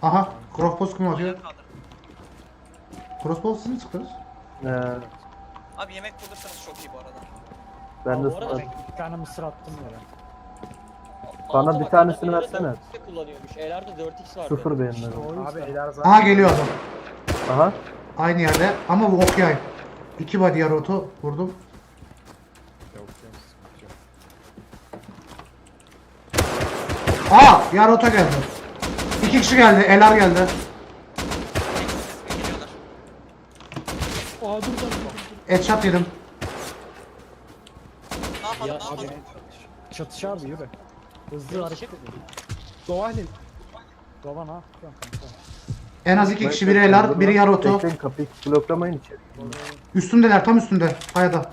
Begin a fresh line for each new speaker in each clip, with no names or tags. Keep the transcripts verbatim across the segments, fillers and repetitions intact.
Aha, crossbow kim atıyor?
Ayağa kaldır.
Crossbow siz mi çıktınız?
Ee,
Abi yemek bulursanız çok iyi bu arada.
ben de
Aa, bu arada
sana-
Bir tane mısır attım yere.
Bana
Alta
bir
bak,
tanesini
adam
versene.
dört x kullanıyormuş. E'lerde dört x vardı.
Sıfır beğenmedim.
Abi
Beyler zaten
Aha geliyor adam.
Aha.
Aynı yerde ama bu ok yay. İki body yarı oto vurdum.
yok yok sıkıntı yok.
Aa yarı oto geldi. İki kişi geldi. Elar geldi.
Geliyorlar.
Aa dur dur.
Headshot yedim.
Ne yapalım
Ya
ne yapalım?
abi çatış abi yürü. Hızlı
Yürü,
hareket
çık.
edin.
Doğalin.
Baba ne yapıyorsun kanka?
En az iki kişi, biri Elar, biri yarı oto.
Bekleyin, kapıyı bloklamayın içeri.
Üstündeler, tam üstünde. Kayada.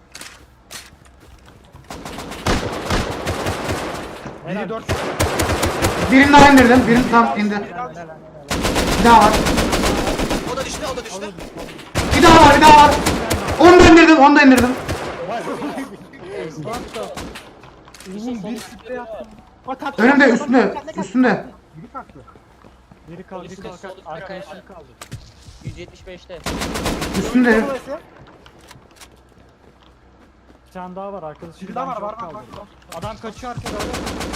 Biri dört.
Birini daha indirdim. Birini tam indi. Bir daha var.
O da düştü o da düştü.
Bir daha var, bir daha var. Onu da indirdim, onu da indirdim.
Uzun bir sprey attım. Bak kalktı.
Önümde, üstünde, üstünde.
Biri kalktı.
Biri kaldı,
Polisi
biri
de
kaldı.
sol
Arkadaşım
üstte.
kaldı.
yüz yetmiş beşte.
Üstünde.
Bir tane daha var arkadaşım.
Biri daha var
çok
var var
kaldı.
var.
Adam kaçıyor arkada öyle.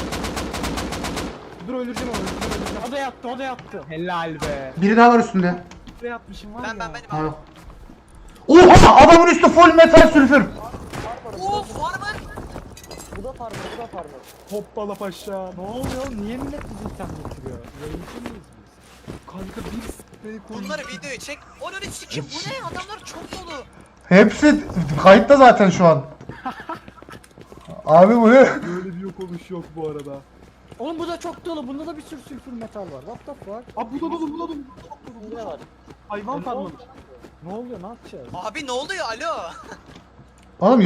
Dur öldüreceğim onu. Dur öldüreceğim.
O da yattı, o da yattı.
Helal be.
Biri daha var üstünde.
Sprey atmışım var
Ben
ya.
ben benim
Ha
abi.
yok. Oha! Adamın üstü full metal sülfür.
Of var mı?
Bu da farmı, bu da farmı.
Hoppala paşa.
Ne oluyor? Niye millet bizi item getiriyor? Yayıncı mıyız biz?
Kanka bir sprey koydum.
Bunları videoya çek. Onun için kim? Bu ne? Adamlar çok dolu.
Hepsi kayıtta zaten şu an. Abi bu ne?
Böyle bir yok oluş yok bu arada.
Oğlum bu da çok dolu. Bunda da bir sürü sülfür metal var. What the fuck?
Abi bu da dolu bu da dolu.
Bu da var.
Hayvan farmlamış.
Ne oluyor? Ne yapacağız?
Abi ne oluyor? Alo.
Oğlum